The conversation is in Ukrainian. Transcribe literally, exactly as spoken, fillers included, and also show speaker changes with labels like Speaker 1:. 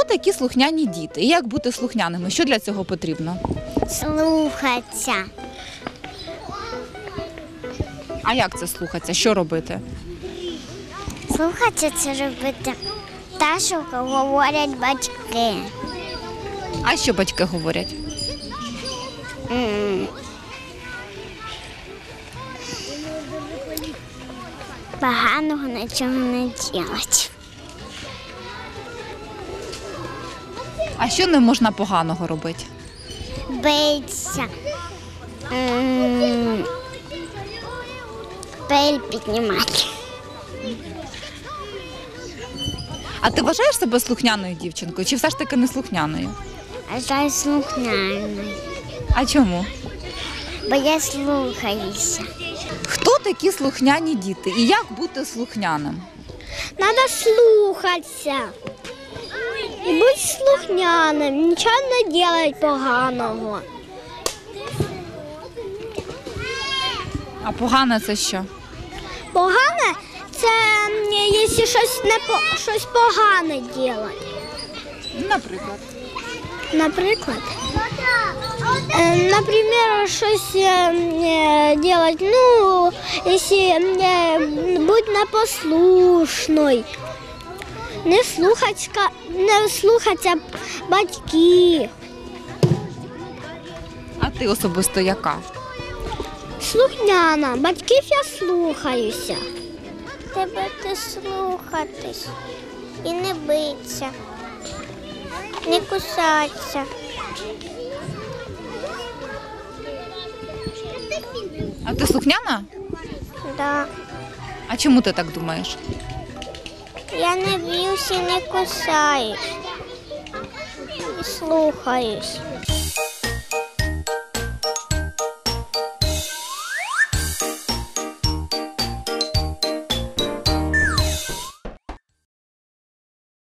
Speaker 1: такі слухняні діти? І як бути слухняними? Що для цього потрібно?
Speaker 2: Слухатися.
Speaker 1: А як це слухатися? Що робити?
Speaker 2: Слухатися це робити те, що говорять батьки.
Speaker 1: А що батьки говорять?
Speaker 2: М. Поганого нічого не робити.
Speaker 1: А що не можна поганого робити?
Speaker 2: Битися. М. Пиль піднімати.
Speaker 1: А ти вважаєш себе слухняною дівчинкою чи все ж таки не слухняною?
Speaker 2: А жаль слухняною.
Speaker 1: А чому?
Speaker 2: Бо я слухаюся.
Speaker 1: Хто такі слухняні діти і як бути слухняним?
Speaker 2: Надо слухатися. І бути слухняним, нічого не робити поганого.
Speaker 1: А погане це що?
Speaker 2: Погане це якщо щось не по- щось погане робити.
Speaker 1: Наприклад.
Speaker 2: Наприклад, е, наприклад, щось робити, ну, якщо е, бути непослушною, не слухатися, не слухатися батьків.
Speaker 1: А ти особисто яка?
Speaker 2: Слухняна, батьків я слухаюся. Тебе ти слухатись і не битися, не кусатися.
Speaker 1: А ти слухняна?
Speaker 2: Да.
Speaker 1: А чому ти так думаєш?
Speaker 2: Я не б'юся і не кусаюсь. І слухаюсь.